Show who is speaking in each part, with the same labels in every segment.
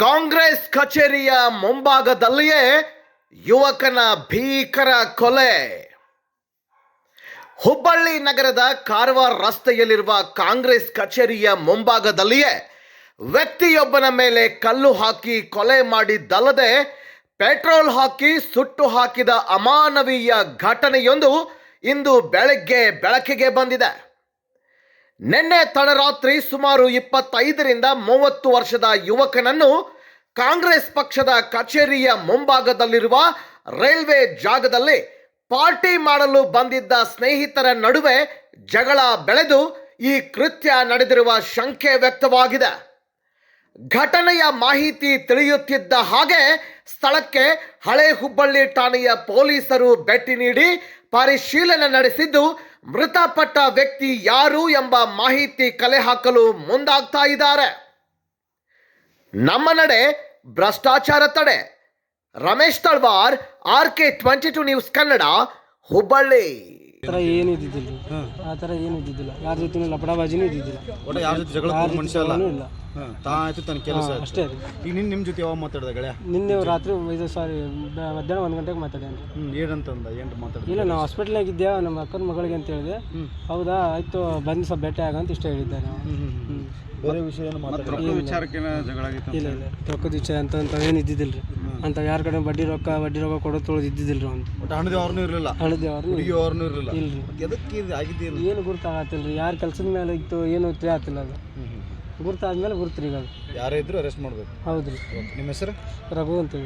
Speaker 1: ಕಾಂಗ್ರೆಸ್ ಕಚೇರಿಯ ಮುಂಭಾಗದಲ್ಲಿಯೇ ಯುವಕನ ಭೀಕರ ಕೊಲೆ. ಹುಬ್ಬಳ್ಳಿ ನಗರದ ಕಾರವಾರ ರಸ್ತೆಯಲ್ಲಿರುವ ಕಾಂಗ್ರೆಸ್ ಕಚೇರಿಯ ಮುಂಭಾಗದಲ್ಲಿಯೇ ವ್ಯಕ್ತಿಯೊಬ್ಬನ ಮೇಲೆ ಕಲ್ಲು ಹಾಕಿ ಕೊಲೆ ಮಾಡಿದ್ದಲ್ಲದೆ ಪೆಟ್ರೋಲ್ ಹಾಕಿ ಸುಟ್ಟು ಹಾಕಿದ ಅಮಾನವೀಯ ಘಟನೆಯೊಂದು ಇಂದು ಬೆಳಕಿಗೆ ಬಂದಿದೆ. ನಿನ್ನೆ ತಡರಾತ್ರಿ ಸುಮಾರು 25ರಿಂದ 30 ವರ್ಷದ ಯುವಕನನ್ನು ಕಾಂಗ್ರೆಸ್ ಪಕ್ಷದ ಕಚೇರಿಯ ಮುಂಭಾಗದಲ್ಲಿರುವ ರೈಲ್ವೆ ಜಾಗದಲ್ಲಿ ಪಾರ್ಟಿ ಮಾಡಲು ಬಂದಿದ್ದ ಸ್ನೇಹಿತರ ನಡುವೆ ಜಗಳ ಬೆಳೆದು ಈ ಕೃತ್ಯ ನಡೆದಿರುವ ಶಂಕೆ ವ್ಯಕ್ತವಾಗಿದೆ. ಘಟನೆಯ ಮಾಹಿತಿ ತಿಳಿಯುತ್ತಿದ್ದ ಹಾಗೆ ಸ್ಥಳಕ್ಕೆ ಹಳೆ ಹುಬ್ಬಳ್ಳಿ ಠಾಣೆಯ ಪೊಲೀಸರು ಭೇಟಿ ನೀಡಿ ಪರಿಶೀಲನೆ ನಡೆಸಿದ್ದು ಮೃತಪಟ್ಟ ವ್ಯಕ್ತಿ ಯಾರು ಎಂಬ ಮಾಹಿತಿ ಕಲೆ ಹಾಕಲು ಮುಂದಾಗ್ತಾ ಇದ್ದಾರೆ. ನಮ್ಮ ನಡೆ ಭ್ರಷ್ಟಾಚಾರ ತಡೆ. Ramesh Talawar, RK22 news Kannada, Hubballi.
Speaker 2: ಆ ಥರ ಏನು ಇದ್ದಿದ್ದಿಲ್ಲ. ಯಾರ ಜೊತೆ ಲಪಡಾಬಾಜಿನೂ ಇದ್ದಿದ್ದಿಲ್ಲ.
Speaker 3: ಯಾರ ಜೊತೆ ಜಗಳ ಮನುಷ್ಯ ಅಲ್ಲ.
Speaker 2: ಇಲ್ಲ.
Speaker 3: ಆಯ್ತು ತನ್ನ ಕೆಲಸ
Speaker 2: ಅಷ್ಟೇ.
Speaker 3: ಈಗ ನಿಮ್ಮ ಜೊತೆ ಯಾವಾಗ ಮಾತಾಡ್ದ ಗೆಳೆಯ?
Speaker 2: ನಿನ್ನೆ ರಾತ್ರಿ ಮಧ್ಯಾಹ್ನ 1 ಗಂಟೆಗೆ ಮಾತಾಡ್ಯಾನ.
Speaker 3: ಏನಂತಂದ ಏನು ಮಾತಾಡ?
Speaker 2: ಇಲ್ಲ, ನಾವು ಹಾಸ್ಪಿಟ್ಲಾಗ ಇದ್ದೇವೆ, ನಮ್ಮ ಅಕ್ಕನ ಮಗಳಿಗೆ ಅಂತ ಹೇಳಿದೆ. ಹೌದಾ, ಆಯ್ತು ಬಂದು ಸ್ವಲ್ಪ ಭೇಟಿ ಆಗಂತ ಇಷ್ಟ ಹೇಳಿದ್ದೆ ನಾವು.
Speaker 3: ಬೇರೆ ವಿಷಯ ಏನು ಮಾತಾಡ? ವಿಚಾರಕ್ಕೆ ಜಗಳ ಆಗಿತ್ತು?
Speaker 2: ಇಲ್ಲ, ರೊಕ್ಕದ ವಿಚಾರ ಅಂತ ಏನು ಇದ್ದಿದ್ದಿಲ್ಲ ರೀ. ಅಂತ ಯಾರ ಕಡೆ ಬಡ್ಡಿ ರೊಕ್ಕ ಕೊಡೋದು ತೊಳೆದು ಇದ್ದಿದ್ದಿಲ್ಲ ರೀ. ಅವ್ನು
Speaker 3: ಹಣದೇವ್ರನ್ನೂ ಇರಲಿಲ್ಲ, ಹುಡುಗಿಯವ್ರನ್ನೂ ಇರಲಿಲ್ಲ.
Speaker 2: ಇಲ್ರಿ,
Speaker 3: ಎದಕ್ಕೆ ಇದು ಆಗಿದ್ದೇನು
Speaker 2: ಏನು ಗುರ್ತಾಗತ್ತಿಲ್ಲ ರೀ. ಯಾರು ಕೆಲಸದ ಮೇಲೆ ಇತ್ತು ಏನು ತಿಳಿಯತ್ತಿಲ್ಲ. ಅದು ಗುರ್ತಾದ್ಮೇಲೆ ಗುರ್ತ್ರಿ. ಈಗ
Speaker 3: ಯಾರೇ ಇದ್ರು ಅರೆಸ್ಟ್ ಮಾಡಬೇಕು.
Speaker 2: ಹೌದು ರೀ.
Speaker 3: ನಿಮ್ಮ ಹೆಸರು?
Speaker 2: ರಘು ಅಂತೇಳಿ.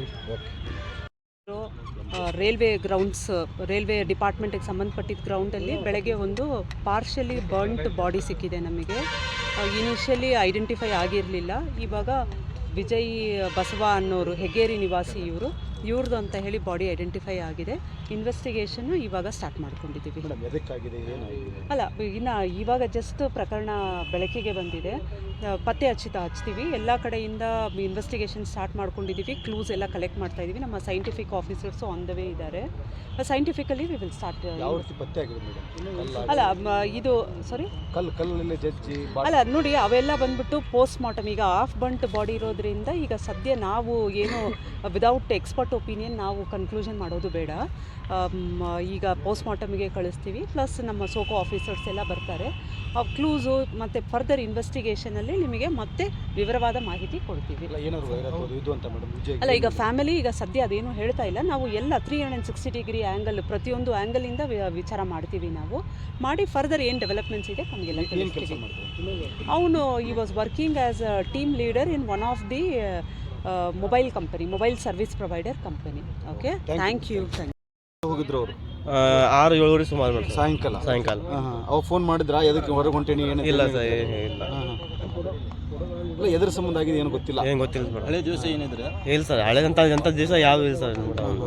Speaker 4: ರೈಲ್ವೆ ಡಿಪಾರ್ಟ್ಮೆಂಟಿಗೆ ಸಂಬಂಧಪಟ್ಟಿದ್ದ ಗ್ರೌಂಡಲ್ಲಿ ಬೆಳಗ್ಗೆ ಒಂದು ಪಾರ್ಷಲಿ ಬರ್ನ್ಟ್ ಬಾಡಿ ಸಿಕ್ಕಿದೆ ನಮಗೆ. ಇನಿಷಿಯಲಿ ಐಡೆಂಟಿಫೈ ಆಗಿರಲಿಲ್ಲ. ಇವಾಗ ವಿಜಯ್ ಬಸವ ಅನ್ನೋರು, ಹೆಗ್ಗೇರಿ ನಿವಾಸಿ ಇವ್ರದ್ದು ಅಂತ ಹೇಳಿ ಬಾಡಿ ಐಡೆಂಟಿಫೈ ಆಗಿದೆ. ಇನ್ವೆಸ್ಟಿಗೇಷನ್ನು ಇವಾಗ ಸ್ಟಾರ್ಟ್ ಮಾಡ್ಕೊಂಡಿದ್ದೀವಿ. ಅಲ್ಲ, ಇವಾಗ ಜಸ್ಟ್ ಪ್ರಕರಣ ಬೆಳಕಿಗೆ ಬಂದಿದೆ. ಪತ್ತೆ ಹಚ್ತೀವಿ. ಎಲ್ಲ ಕಡೆಯಿಂದ ಇನ್ವೆಸ್ಟಿಗೇಷನ್ ಸ್ಟಾರ್ಟ್ ಮಾಡ್ಕೊಂಡಿದ್ದೀವಿ. ಕ್ಲೂಸ್ ಎಲ್ಲ ಕಲೆಕ್ಟ್ ಮಾಡ್ತಾ ಇದ್ದೀವಿ. ನಮ್ಮ scientific officers on the way ಇದ್ದಾರೆ. Scientifically we will start. ಅಲ್ಲ, ಇದು ಸಾರಿ ಅಲ್ಲ ನೋಡಿ, ಅವೆಲ್ಲ ಬಂದ್ಬಿಟ್ಟು ಪೋಸ್ಟ್ ಮಾರ್ಟಮ್. ಈಗ ಹಾಫ್ ಬಂಟ್ ಬಾಡಿ ಇರೋದ್ರಿಂದ ಈಗ ಸದ್ಯ ನಾವು ಏನು ವಿದೌಟ್ ಎಕ್ಸ್ಪರ್ಟ್ ಒಪಿನಿಯನ್ ನಾವು ಕನ್ಕ್ಲೂಷನ್ ಮಾಡೋದು ಬೇಡ. ಈಗ ಪೋಸ್ಟ್ ಮಾರ್ಟಮ್ಗೆ ಕಳಿಸ್ತೀವಿ. ಪ್ಲಸ್ ನಮ್ಮ ಸೋಕೋ ಆಫೀಸರ್ಸ್ ಎಲ್ಲ ಬರ್ತಾರೆ. ಕ್ಲೂಸು ಮತ್ತು ಫರ್ದರ್ ಇನ್ವೆಸ್ಟಿಗೇಷನಲ್ಲಿ ನಿಮಗೆ ಮತ್ತೆ ವಿವರವಾದ ಮಾಹಿತಿ ಕೊಡ್ತೀವಿ. ಅಲ್ಲ, ಈಗ ಫ್ಯಾಮಿಲಿ ಈಗ ಸದ್ಯ ಅದೇನು ಹೇಳ್ತಾ ಇಲ್ಲ. ನಾವು ಎಲ್ಲ 360 ಡಿಗ್ರಿ ಆ್ಯಂಗಲ್, ಪ್ರತಿಯೊಂದು ಆ್ಯಂಗಲಿಂದ ವಿಚಾರ ಮಾಡ್ತೀವಿ. ನಾವು ಮಾಡಿ ಫರ್ದರ್ ಏನು ಡೆವಲಪ್ಮೆಂಟ್ಸ್ ಇದೆ ನಮಗೆಲ್ಲ ತಿಳಿಸ್ತೀವಿ. ಅವನು ಈ was working as a team leader in one of the mobile service provider company. Okay, thank you.
Speaker 3: ಹೋಗಿದ್ರು ಅವರು
Speaker 5: 6-7 ಸುಮಾರು
Speaker 3: ಸಾಯಂಕಾಲ. ಅವ್ರು ಫೋನ್ ಮಾಡಿದ್ರ ಎದಕ್ಕೆ ಹೊರಗೆ ಹೊಂಟೇನಿ?
Speaker 5: ಇಲ್ಲ ಸರ್, ಇಲ್ಲ.
Speaker 3: ಇಲ್ಲ, ಎದ್ರ ಸಂಬಂಧ ಆಗಿದೆ ಏನು ಗೊತ್ತಿಲ್ಲ.
Speaker 5: ಏನು ಗೊತ್ತಿಲ್ಲ ಸರ್.
Speaker 3: ಹಳೆ ದಿವಸ ಏನಿದ್ರೆ
Speaker 5: ಇಲ್ಲ ಸರ್, ಹಳೆದಂಥ ದಿವಸ ಯಾವ ಇಲ್ಲ ಸರ್.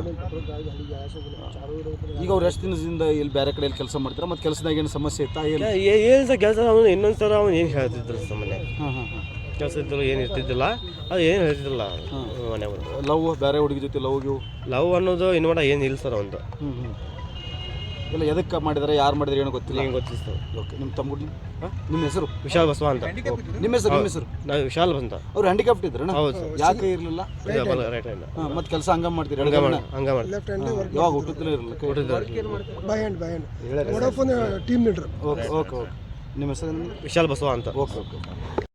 Speaker 3: ಈಗ ಅವ್ರು ಎಷ್ಟು ದಿನದಿಂದ ಇಲ್ಲಿ ಬೇರೆ ಕಡೆಯಲ್ಲಿ ಕೆಲಸ ಮಾಡ್ತಾರೆ? ಮತ್ತು ಕೆಲಸದಾಗ ಏನು ಸಮಸ್ಯೆ ಇತ್ತಾ?
Speaker 5: ಏನು ಸರ್ ಕೆಲಸ? ಅವನು ಇನ್ನೊಂದು ಸಲ ಅವನು ಏನು ಹೇಳ್ತಿದ್ರು ಸಾಮಾನ್ಯ ಕೆಲಸ ಇದ್ರು, ಏನು ಇರ್ತಿದ್ದಿಲ್ಲ. ಅದು ಏನು ಹೇಳ್ತಿದ್ದಿಲ್ಲ ಮನೆ ಬಂದು.
Speaker 3: ಲವ್ ಬೇರೆ ಹುಡುಗಿ ಜೊತೆ
Speaker 5: ಲವ್ ಅನ್ನೋದು ಇನ್ನು ಏನು ಇಲ್ಲ ಸರ್ ಒಂದು.
Speaker 3: ಇಲ್ಲ, ಎದಕ್ಕೆ ಮಾಡಿದಾರೆ, ಯಾರು ಮಾಡಿದ್ರೆ ಏನು ಗೊತ್ತಿಲ್ಲ.
Speaker 5: ಏನು ಗೊತ್ತಿಲ್ಲ ಸರ್.
Speaker 3: ಓಕೆ, ನಿಮ್ಮ ತಮ್ಮ ನಿಮ್ಮ ಹೆಸರು?
Speaker 5: ವಿಶಾಲ್ ಬಸವ ಅಂತ.
Speaker 3: ನಿಮ್ಮ ಹೆಸರು?
Speaker 5: ನಾವು ವಿಶಾಲ್ ಅಂತ.
Speaker 3: ಅವ್ರು ಹ್ಯಾಂಡಿಕ್ಯಾಪ್ಟ್ ಇದ್ರಣ್ಣ?
Speaker 5: ಹೌದು ಸರ್.
Speaker 3: ಯಾಕೆ ಇರಲಿಲ್ಲ?
Speaker 5: Right hand.
Speaker 3: ಮತ್ತು ಕೆಲಸ ಹಂಗ ಮಾಡ್ತೀರಿ?
Speaker 5: ಹಂಗ ಮಾಡಿ.
Speaker 3: ಯಾವಾಗ ಹುಟ್ಟುತ್ತಲೇ ಇರಲಿಲ್ಲ?
Speaker 2: Team leader.
Speaker 3: ಓಕೆ. ನಿಮ್ಮ ಹೆಸರು?
Speaker 5: ವಿಶಾಲ್ ಬಸವ ಅಂತ.
Speaker 3: ಓಕೆ.